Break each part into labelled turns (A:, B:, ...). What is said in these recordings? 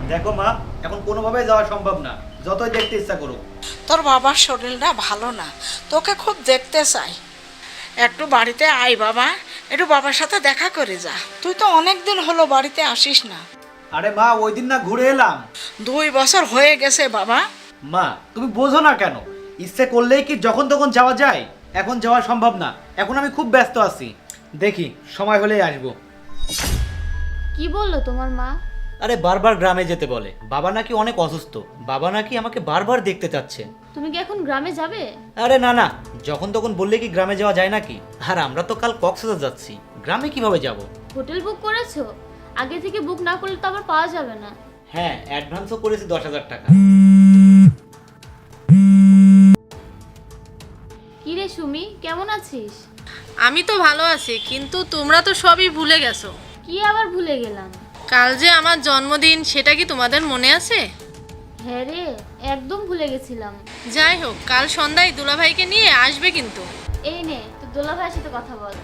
A: দেখো মা, এখন কোনোভাবেই যাওয়া সম্ভব না, যতই দেখতে ইচ্ছা করুক।
B: তোর বাবার শরীরটা ভালো না, তোকে খুব দেখতে চাই। একটু বাড়িতে আয় বাবা, একটু বাবার সাথে দেখা করে যা। তুই তো অনেক দিন হলো বাড়িতে আসিস না।
A: আরে মা, ওই দিন না ঘুরে এলাম।
B: 2 বছর হয়ে গেছে বাবা।
A: মা, তুমি বোঝো না কেন? ইচ্ছে করলেই কি যখন তখন যাওয়া যায়? এখন যাওয়া সম্ভব না, এখন আমি খুব ব্যস্ত আছি। দেখি সময় হলেই আসবো।
C: কি বললো তোমার মা?
A: আরে বারবার গ্রামে যেতে বলে, বাবা নাকি অনেক অসুস্থ, বাবা নাকি আমাকে বারবার দেখতে চাচ্ছে।
C: তুমি কি এখন গ্রামে যাবে?
A: আরে না না, যখন তখন বললে কি গ্রামে যাওয়া যায় নাকি? আর আমরা তো কাল কক্সবাজার যাচ্ছি, গ্রামে কিভাবে যাব?
C: হোটেল বুক করেছো? আগে থেকে বুক না করলে তো আবার পাওয়া যাবে না।
A: হ্যাঁ, অ্যাডভান্সও করেছি 10,000 টাকা।
C: কি রে সুমি, কেমন আছিস?
D: আমি তো ভালো আছি, কিন্তু তোমরা তো সবই ভুলে গেছো।
C: কি আবার ভুলে গেলাম?
D: কাল যে আমার জন্মদিন, সেটা কি তোমাদের মনে আছে?
C: হ্যাঁ রে, একদম ভুলে গেছিলাম।
D: যাই হোক, কাল সন্ধ্যায় দুলাভাইকে নিয়ে আসবে কিন্তু।
C: এই নে, তোর দোলা ভাইয়ের সাথে কথা বল।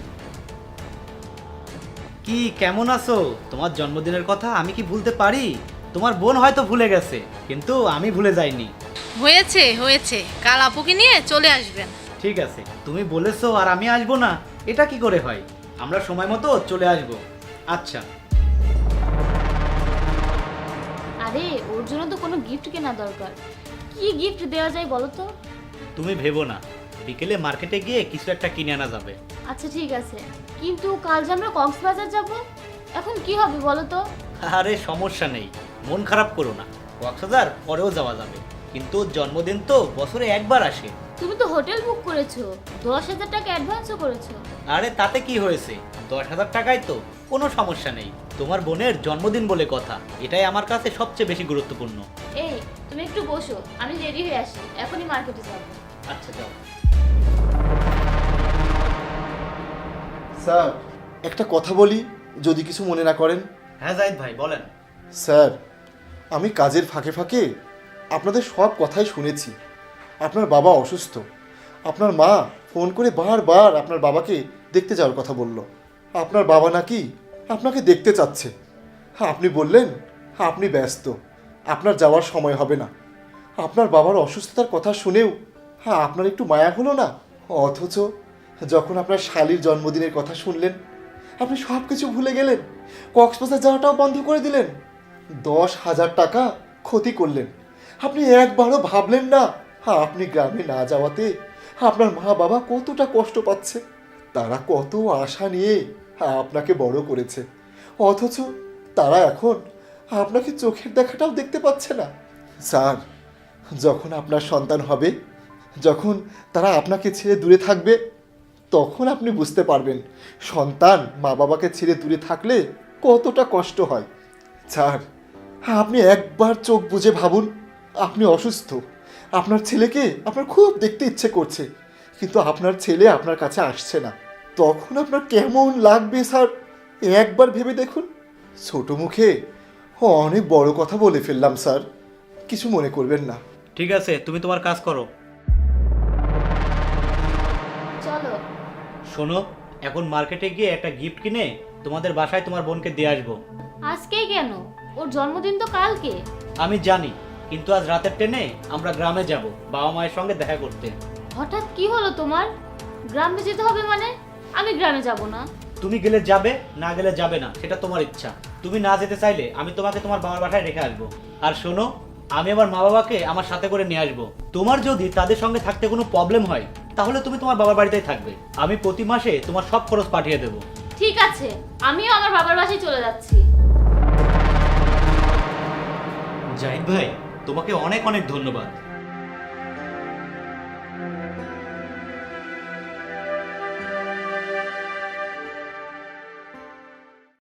A: কি কেমন আছো? তোমার জন্মদিনের কথা আমি কি ভুলতে পারি? তোমার বোন হয়তো ভুলে গেছে, কিন্তু আমি ভুলে যাইনি।
D: হয়েছে হয়েছে, কাল আপুকে নিয়ে চলে আসবেন।
A: ঠিক আছে, তুমি বলেছো আর আমি আসবো না, এটা কি করে হয়? আমরা সময় মতো চলে আসবো। আচ্ছা।
C: আরে ওর জন্য তো কোনো গিফট কেনা দরকার। কি গিফট দেওয়া যায় বলো তো?
A: তুমি ভেবো না, বিকেলে মার্কেটে গিয়ে কিছু একটা কিনে আনা যাবে।
C: আচ্ছা ঠিক আছে, কিন্তু কাল যে আমরা কক্সবাজার যাব, এখন কি হবে বলো তো?
A: আরে সমস্যা নেই, মন খারাপ করো না, কক্সবাজার পরেও যাওয়া যাবে। কিন্তু ওর জন্মদিন তো বছরে একবার আসে।
C: তুমি তো হোটেল বুক করেছো, 10,000 টাকা অ্যাডভান্সও করেছো।
A: আরে তাতে কি হয়েছে? 10,000 টাকায় তো কোনো সমস্যা নেই। তোমার বোনের জন্মদিন বলে কথা, এটাই আমার কাছে সবচেয়ে বেশি গুরুত্বপূর্ণ।
C: এই তুমি একটু বসো, আমি রেডি হয়ে আসি, এখনই মার্কেটে যাব।
A: আচ্ছা যাও।
E: স্যার, একটা কথা বলি, যদি কিছু মনে না করেন।
A: হ্যাঁ জাহিদ ভাই, বলেন।
E: স্যার, আমি কাজের ফাঁকে ফাঁকে আপনাদের সব কথাই শুনেছি। আপনার বাবা অসুস্থ, আপনার মা ফোন করে বারবার আপনার বাবাকে দেখতে যাওয়ার কথা বলল। আপনার বাবা নাকি আপনাকে দেখতে চাচ্ছে। হ্যাঁ, আপনি বললেন আপনি ব্যস্ত, আপনার যাওয়ার সময় হবে না। আপনার বাবার অসুস্থতার কথা শুনেও আপনার একটু মায়া হলো না? অথচ যখন আপনার শালীর জন্মদিনের কথা শুনলেন, আপনি সব কিছু ভুলে গেলেন, কক্সবাজার যাওয়াটাও বন্ধ করে দিলেন। 10,000 টাকা ক্ষতি করলেন। আপনি একবারও ভাবলেন না আপনি গ্রামে না যাওয়াতে আপনার মা বাবা কতটা কষ্ট পাচ্ছে, তারা কত আশা নিয়ে আপনাকে বড় করেছে, অথচ তারা এখন আপনাকে চোখের দেখাটাও দেখতে পাচ্ছে না। স্যার, যখন আপনার সন্তান হবে, যখন তারা আপনাকে ছেড়ে দূরে থাকবে, তখন আপনি বুঝতে পারবেন সন্তান মা বাবাকে ছেড়ে দূরে থাকলে কতটা কষ্ট হয়। স্যার, আপনি একবার চোখ বুজে ভাবুন, আপনি অসুস্থ, আপনার ছেলেকে আপনার খুব দেখতে ইচ্ছে করছে, কিন্তু আপনার ছেলে আপনার কাছে আসছে না, তখন আপনার কেমন লাগবে স্যার? একবার ভেবে দেখুন। ছোট মুখে অনেক বড় কথা বলে ফেললাম স্যার, কিছু মনে করবেন না।
A: ঠিক আছে, তুমি তোমার কাজ করো।
C: চলো।
A: শোনো, এখন মার্কেটে গিয়ে একটা গিফট কিনে তোমাদের বাসায় তোমার বোনকে দিয়ে আসবো।
C: আজকেই কেন? ওর জন্মদিন তো কালকে।
A: আমি জানি, কিন্তু আজ রাতের ট্রেনে আমরা গ্রামে যাব বাবা মায়ের সঙ্গে দেখা করতে।
C: হঠাৎ কি হলো তোমার? গ্রামে যেতে হবে মানে? আমি গ্রামে যাব না।
A: তুমি গেলে যাবে, না গেলে যাবে না, সেটা তোমার ইচ্ছা। তুমি না যেতে চাইলে আমি তোমাকে তোমার বাবার বাসায় রেখে আসবো। আর শোনো, আমি আমার মা বাবাকে আমার সাথে করে নিয়ে আসবো। তোমার যদি তাদের সঙ্গে থাকতে কোনো প্রবলেম হয়, তাহলে তুমি তোমার বাবার বাড়িতেই থাকবে। আমি প্রতি মাসে তোমার সব খরচ পাঠিয়ে দেবো।
C: ঠিক আছে, আমিও আমার বাবার বাসায় চলে যাচ্ছি।
A: জাহিদ ভাই, তোমাকে অনেক অনেক ধন্যবাদ।